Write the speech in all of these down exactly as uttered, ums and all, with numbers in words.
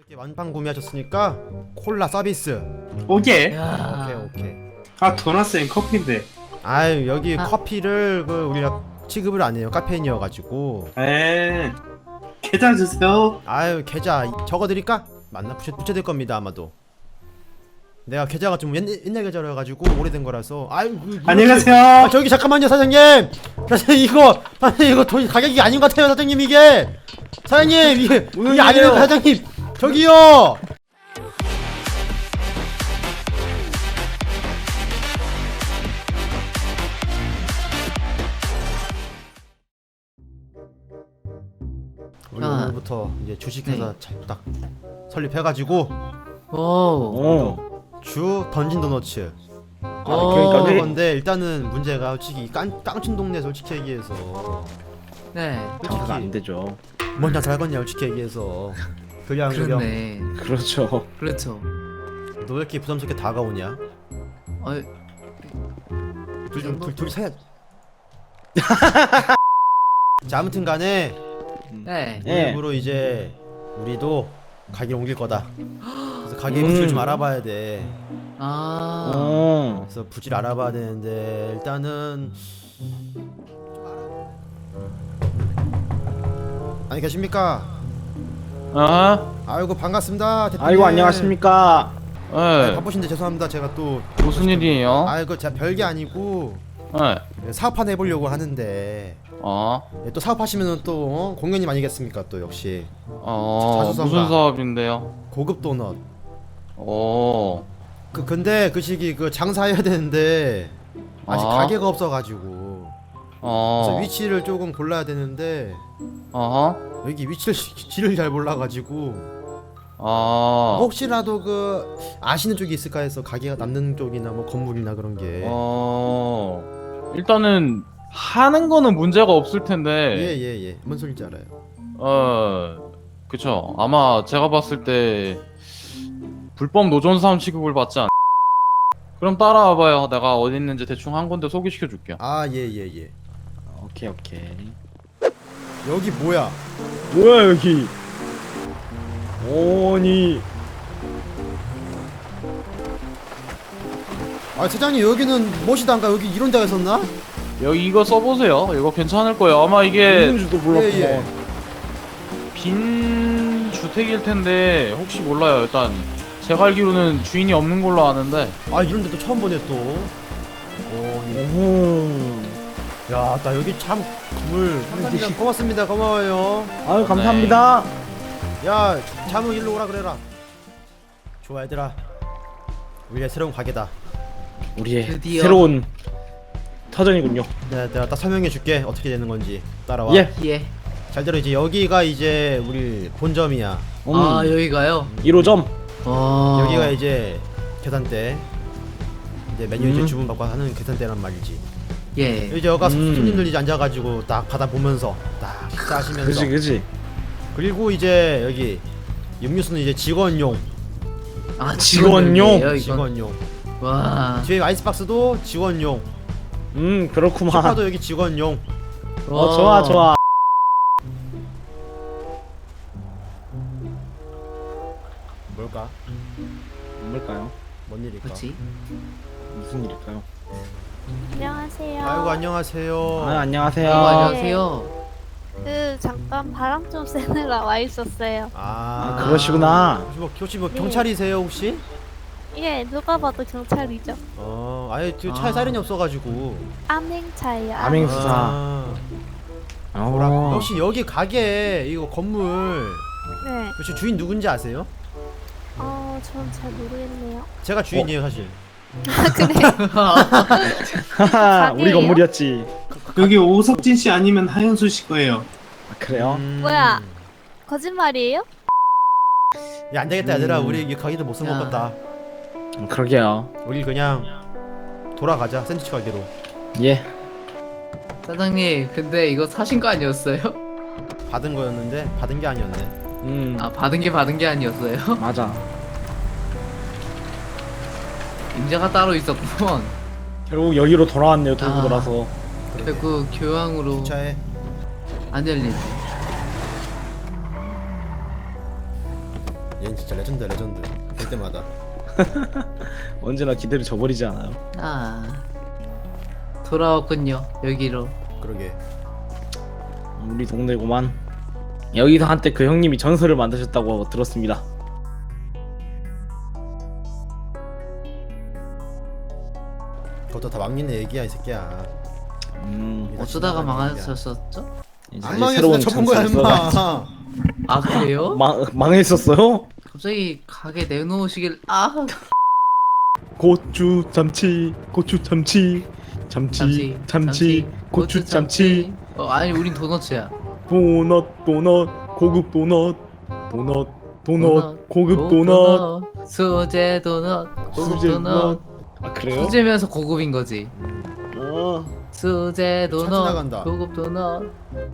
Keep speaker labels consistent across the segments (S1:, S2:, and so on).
S1: 이렇게 완판 구매하셨으니까 콜라 서비스.
S2: 오케이.
S3: 야.
S1: 오케이 오케이.
S2: 아 도넛은 커피인데.
S1: 아유 여기
S3: 아.
S1: 커피를 그 우리가 취급을 안 해요. 카페인이어가지고.
S2: 에. 계좌 주세요.
S1: 아유 계좌 적어드릴까? 맞나? 붙여, 붙여야 될 겁니다 아마도. 내가 계좌가 좀 옛날, 옛날 계좌로 해가지고 오래된 거라서. 아유 그,
S2: 안녕하세요.
S1: 아 저기 잠깐만요 사장님. 사장님 이거 사장님 이거 돈 가격이 아닌 것 같아요 사장님 이게. 사장님 이게 이게 아니에요 사장님. 저기요. 우리
S3: 아.
S1: 오늘부터 이제 주식회사
S3: 네.
S1: 자- 딱 설립해가지고
S3: 오.
S4: 어.
S1: 주 던진 도너츠.
S4: 아,
S3: 어.
S4: 그러니까
S1: 그런
S4: 왜
S1: 건데 일단은 문제가 솔직히 깡 깡친 동네 솔직히 얘기해서
S3: 네.
S4: 장사가 안 되죠.
S1: 뭔 장사 할거냐 솔직히 얘기해서. 그냥 그냥
S3: 그렇네.
S4: 그렇죠.
S3: 그렇죠.
S1: 너 왜 이렇게 부담스럽게 다가오냐?
S3: 어,
S1: 둘좀둘둘 사야. 자 아무튼 간에
S3: 네.
S4: 예.
S1: 일부러 이제 우리도 가게 옮길 거다. 그래서 가게
S4: 음.
S1: 부지를 좀 알아봐야 돼.
S3: 아.
S4: 어.
S1: 그래서 부지를 알아봐야 되는데 일단은 안녕히 계십니까?
S5: 아,
S1: 아이고 반갑습니다 대표님.
S4: 아이고 안녕하십니까.
S1: 아,
S5: 예,
S1: 바쁘신데 죄송합니다 제가 또.
S5: 무슨 일이에요?
S1: 아이고 제가 별게 아니고
S5: 예,
S1: 사업 하나 해보려고 하는데
S5: 어,
S1: 또 사업하시면은 또 어? 공연님 아니겠습니까 또 역시
S5: 어,
S1: 자수성가.
S5: 무슨 사업인데요?
S1: 고급 도넛.
S5: 오,
S1: 그 근데 그 시기 그 장사해야 되는데 아직
S5: 아.
S1: 가게가 없어가지고 그래서
S5: 어,
S1: 위치를 조금 골라야 되는데
S5: 어허,
S1: 여기 위치를 지를 잘 몰라가지고
S5: 어,
S1: 혹시라도 그 아시는 쪽이 있을까 해서 가게가 남는 쪽이나 뭐 건물이나 그런 게.
S5: 어, 일단은 하는 거는 문제가 없을 텐데,
S1: 예예예 뭔 소리인지 알아요.
S5: 어, 그쵸. 아마 제가 봤을 때 불법 노전 사람 취급을 받지 않. 그럼 따라와봐요. 내가 어디 있는지 대충 한 군데 소개시켜 줄게요.
S1: 아 예예예.
S4: 오케이 오케이.
S1: 여기 뭐야?
S4: 뭐야 여기? 오니.
S1: 아 사장님 여기는 무엇이단가 여기 이런 데가 있었나?
S5: 여기 이거 써보세요. 이거 괜찮을 거예요. 아마 이게
S4: 있는지도 몰랐구먼.
S1: 예, 예.
S5: 빈 주택일 텐데 혹시 몰라요. 일단 제가 알기로는 주인이 없는 걸로 아는데.
S1: 아 이런 데도 처음 보네 또. 오,
S4: 오.
S1: 야, 나 여기 참 건물 감사합니다. 고맙습니다. 고마워요.
S4: 아유 감사합니다.
S1: 야, 자무 일로 오라 그래라. 좋아 얘들아. 우리의 새로운 가게다.
S4: 우리의
S3: 드디어.
S4: 새로운 터전이군요.
S1: 내가, 내가 딱 설명해 줄게. 어떻게 되는 건지. 따라와.
S4: 예.
S3: 예.
S1: 잘 들어 이제 여기가 이제 우리 본점이야.
S4: 음.
S3: 아, 여기가요.
S4: 일 호점.
S3: 어.
S1: 여기가 이제 계산대. 이제 메뉴 이제
S4: 음.
S1: 주문 받고 하는 계산대란 말이지.
S3: 예.
S1: 이제 여가
S4: 음.
S1: 손님들이 이제 앉아가지고 딱 받아 보면서 딱 식사하시면서.
S4: 그지 그지.
S1: 그리고 이제 여기 음료수는 이제 직원용.
S3: 아,
S4: 직원용?
S3: 직원용이에요, 이건?
S1: 직원용.
S3: 와.
S1: 뒤에 아이스박스도 직원용.
S4: 음 그렇구만.
S1: 소파도 여기 직원용.
S4: 어 좋아 좋아.
S1: 뭘까?
S4: 뭘까요?
S1: 뭔 일일까?
S3: 그렇지.
S4: 무슨 일일까요?
S6: 안녕하세요.
S1: 아이고 안녕하세요.
S4: 아 안녕하세요.
S3: 어, 안녕하세요.
S6: 그 잠깐 바람 좀 쐬느라 와 있었어요.
S1: 아,
S4: 아 그러시구나.
S1: 혹시 뭐, 혹시 뭐
S6: 네.
S1: 경찰이세요 혹시?
S6: 예, 누가 봐도 경찰이죠.
S1: 어, 아예 저 차에
S3: 아.
S1: 사이렌이 없어가지고.
S6: 암행차예요.
S4: 암행- 수사.
S1: 아, 뭐라?
S4: 어.
S1: 혹시 여기 가게 이거 건물
S6: 네.
S1: 혹시 주인 누군지 아세요?
S6: 어, 전 잘 모르겠네요.
S1: 제가 주인이에요 사실.
S6: 아, 그래.
S4: 하하 우리
S6: 가게예요?
S4: 건물이었지.
S2: 여기 오석진 씨 아니면 하현수 씨 거예요.
S4: 아, 그래요?
S1: 음.
S6: 뭐야? 거짓말이에요?
S1: 야 안되겠다 얘들아
S4: 음.
S1: 우리 이 가게도 못
S3: 야.
S1: 써먹겠다.
S4: 음, 그러게요.
S1: 우리 그냥 돌아가자 샌드위치 가게로.
S4: 예.
S3: 사장님, 근데 이거 사신 거 아니었어요?
S1: 받은 거였는데 받은 게 아니었네.
S4: 음
S3: 아, 받은 게 받은 게 아니었어요?
S4: 맞아.
S3: 임자가 따로 있었구먼.
S4: 결국 여기로 돌아왔네요. 돌고
S3: 아.
S4: 돌아서.
S3: 결국 교황으로
S1: 차에
S3: 안 열리네.
S1: 얘는 진짜 레전드야 레전드. 볼 때마다.
S4: 언제나 기대를 저버리지 않아요.
S3: 아 돌아왔군요 여기로.
S1: 그러게.
S4: 우리 동네구만. 여기서 한때 그 형님이 전설을 만드셨다고 들었습니다.
S1: 그것도 다 막리네 얘기야 이 새끼야.
S4: 음,
S3: 어쩌다가
S1: 지나가는 얘기야.
S3: 망하셨었죠?
S4: 이제
S1: 안 망했어.
S4: 새로운
S1: 접은 거야
S4: 전설가-
S1: 임마.
S3: 아 그래요?
S4: 망 망했었어요?
S3: 갑자기 가게 내놓으시길. 아
S4: 고추 참치, 고추 참치, 참치, 참치, 고추 참치,
S3: 어 아니 우린 도너츠야.
S4: 도넛, 도넛, 고급 도넛, 도넛, 도넛, 고급 도넛,
S3: 수제 도넛 고급
S4: 수제
S3: 도넛.
S4: 도넛. 아 그래요?
S3: 수제면서 고급인 거지.
S4: 어.
S3: 수제
S1: 차
S3: 도넛
S1: 지나간다.
S3: 고급 도넛.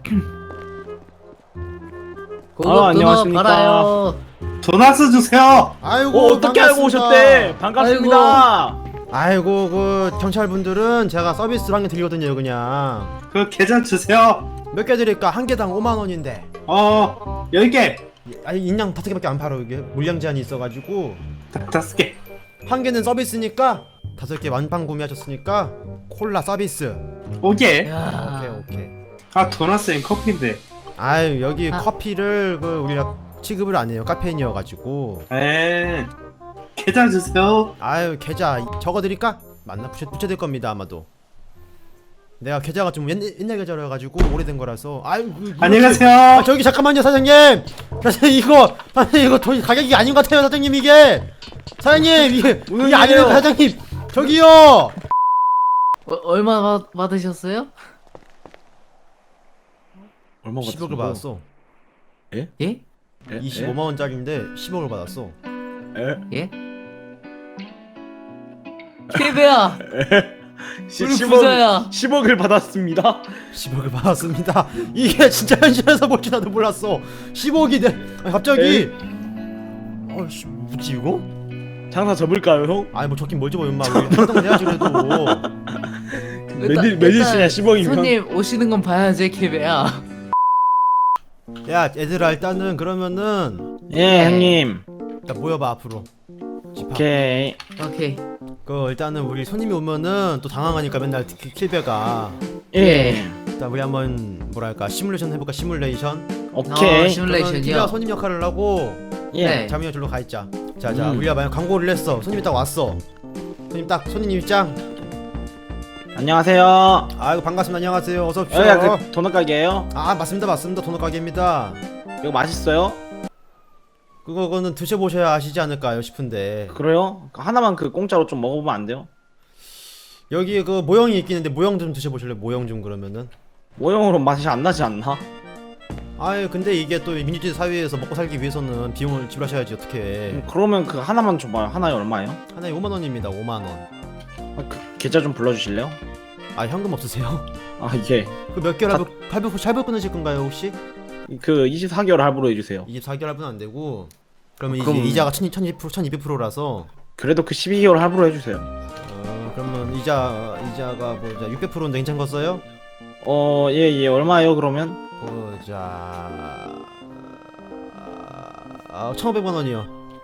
S3: 고급
S4: 아,
S3: 도넛
S4: 안녕하십니까.
S3: 팔아요.
S2: 도나스 주세요.
S1: 아이고
S4: 어, 어떻게 알고
S1: 반갑습니다.
S4: 오셨대? 반갑습니다.
S1: 아이고 그 경찰분들은 제가 서비스로 한 개 드리거든요 그냥.
S2: 그 계좌 주세요.
S1: 몇 개 드릴까? 한 개당 오만 원인데.
S2: 어 열 개.
S1: 아니 인양 다섯 개밖에 안 팔아 이게 물량 제한이 있어가지고
S2: 다- 다섯 개.
S1: 한 개는 서비스니까 다섯 개 완판 구매하셨으니까 콜라 서비스.
S2: 오게.
S3: 야.
S1: 오케이 오케이.
S2: 아 도나스엔 커피인데.
S1: 아유 여기
S3: 아.
S1: 커피를 그 우리가 취급을 안 해요 카페인이어가지고.
S2: 에 계좌 주세요.
S1: 아유 계좌 적어드릴까? 맞나? 붙여, 붙여야 될 겁니다 아마도. 내가 계좌가 좀 옛, 옛날 계좌로 해가지고 오래된 거라서. 아유 그,
S2: 안녕하세요.
S1: 아, 저기 잠깐만요 사장님. 사장님 이거 사장님 이거 돈 가격이 아닌 것 같아요 사장님 이게. 사장님 이게
S4: 무슨
S1: 이게 아니에요
S4: 일이에요?
S1: 사장님. 저기요.
S3: 어, 얼마 받, 받으셨어요?
S4: 얼마
S1: 십억을 받았어.
S3: 예?
S1: 이십오만 원짜리인데 십억을 받았어.
S4: 에?
S3: 예? 케베야
S4: 시-
S3: 우리
S4: 십억,
S3: 부자야.
S4: 십억을 받았습니다.
S1: 십억을 받았습니다. 이게 진짜 현실에서 볼지 나도 몰랐어. 십억이 돼. 아니, 갑자기. 어씨 뭐지 이거?
S4: 장사 접을까요, 형?
S1: 아니 뭐 적긴 뭘 접어 임마. 우리 활동 해야지 그래도.
S4: 매질 매질시냐 십억이면.
S3: 손님 오시는 건 봐야지 케베야.
S1: 야 얘들아 일단은 그러면은
S4: 예, 형님.
S1: 일단 모여봐 앞으로. 집합.
S4: 오케이.
S3: 오케이.
S1: 그 일단은 우리 손님이 오면은 또 당황하니까 맨날 키- 킬베가.
S4: 예.
S1: 일단 우리 한번 뭐랄까 시뮬레이션 해볼까 시뮬레이션.
S3: 어,
S4: 오케이.
S3: 시뮬레이션이요.
S1: 키가 손님 역할을 하고
S4: 예.
S3: 네.
S1: 자민이 절로 가 있자. 자자
S4: 음.
S1: 우리가 만약 광고를 했어. 손님이 딱 왔어. 손님 딱 손님 입장.
S4: 안녕하세요.
S1: 아이고 반갑습니다. 안녕하세요. 어서 오십시오.
S4: 여기가 그 도넛 가게예요?
S1: 아 맞습니다 맞습니다. 도넛 가게입니다.
S4: 이거 맛있어요?
S1: 그거는 드셔보셔야 아시지 않을까요 싶은데
S4: 그래요? 하나만 그 공짜로 좀 먹어보면 안 돼요?
S1: 여기 그 모형이 있긴 한데 모형 좀 드셔보실래요? 모형 좀 그러면은.
S4: 모형으로 맛이 안 나지 않나?
S1: 아유 근데 이게 또 민주주의 사회에서 먹고 살기 위해서는 비용을 지불하셔야지 어떻게.
S4: 음, 그러면 그 하나만 줘봐요. 하나에 얼마예요?
S1: 하나에 오만 원입니다. 오만 원.
S4: 아, 그 계좌 좀 불러주실래요?
S1: 아 현금 없으세요?
S4: 아 예.
S1: 그 몇 개월 할부 할부 할부 끊으실 건가요 혹시?
S4: 그 이십사 개월 할부로 해주세요.
S1: 이십사 개월 할부는 안 되고 그러면
S4: 그럼-
S1: 이제 이자가 천이백 퍼센트 천이백 퍼센트라서
S4: 그래도 그 십이 개월 할부로 해주세요.
S1: 어 그러면 이자 이자가 뭐 이자 육백 퍼센트인데 괜찮겠어요?
S4: 어, 예, 예. 얼마예요, 그러면?
S1: 보자. 아, 천오백만 원이요.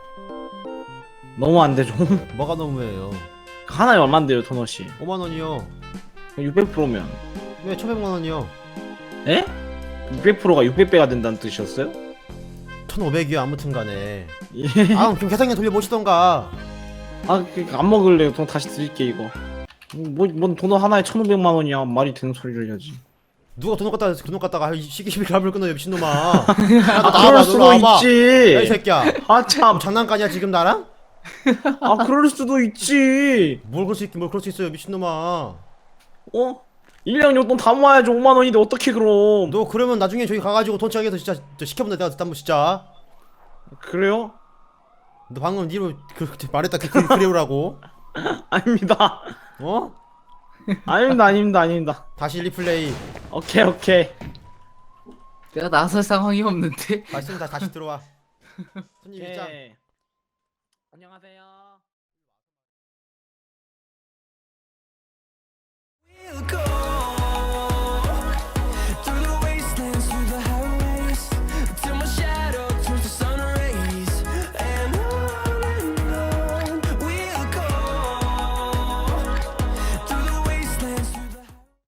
S4: 너무 안 되죠.
S1: 뭐가 너무해요?
S4: 하나에 얼만데요, 도넛이?
S1: 오만 원이요.
S4: 육백 퍼센트면.
S1: 네, 천오백만 원이요.
S4: 에? 육백 퍼센트가 육백 배가 된다는 뜻이었어요?
S1: 천오백이요. 아무튼 간에.
S4: 예.
S1: 아, 그럼 계산기 돌려보시던가.
S4: 아, 그, 안 먹을래요. 돈 다시 드릴게, 이거. 뭐, 뭔 도넛 하나에 천오백만 원이야. 말이 되는 소리를 해야지.
S1: 누가 돈을 갖다가 돈을 갖다가 시기시비 갑을 끊어요, 미친놈아. 야, 너
S4: 아,
S1: 나와봐,
S4: 그럴
S1: 너
S4: 수도
S1: 나와봐. 야, 이
S4: 있지.
S1: 새끼야.
S4: 아,
S1: 뭐
S4: 참.
S1: 장난까냐 지금 나랑?
S4: 아, 그럴 수도 있지.
S1: 뭘 그럴 수 있긴 뭘 그럴 수 있어요, 미친놈아.
S4: 어? 일 년 용돈 다 모아야지 오만 원인데 어떻게 그럼?
S1: 너 그러면 나중에 저기 가가지고 돈 차게서 진짜 저 시켜본다 내가 한번 진짜.
S4: 그래요?
S1: 너 방금 니로 그, 그 말했다 그, 그 그래오라고.
S4: 아닙니다.
S1: 어?
S4: 아닙니다, 아닙니다, 아닙니다.
S1: 다시 리플레이.
S4: 오케이, 오케이.
S3: 내가 나설 상황이 없는데.
S1: 말씀 다 다시 들어와. 손님 입장.
S4: 오케이. 안녕하세요.
S7: We'll go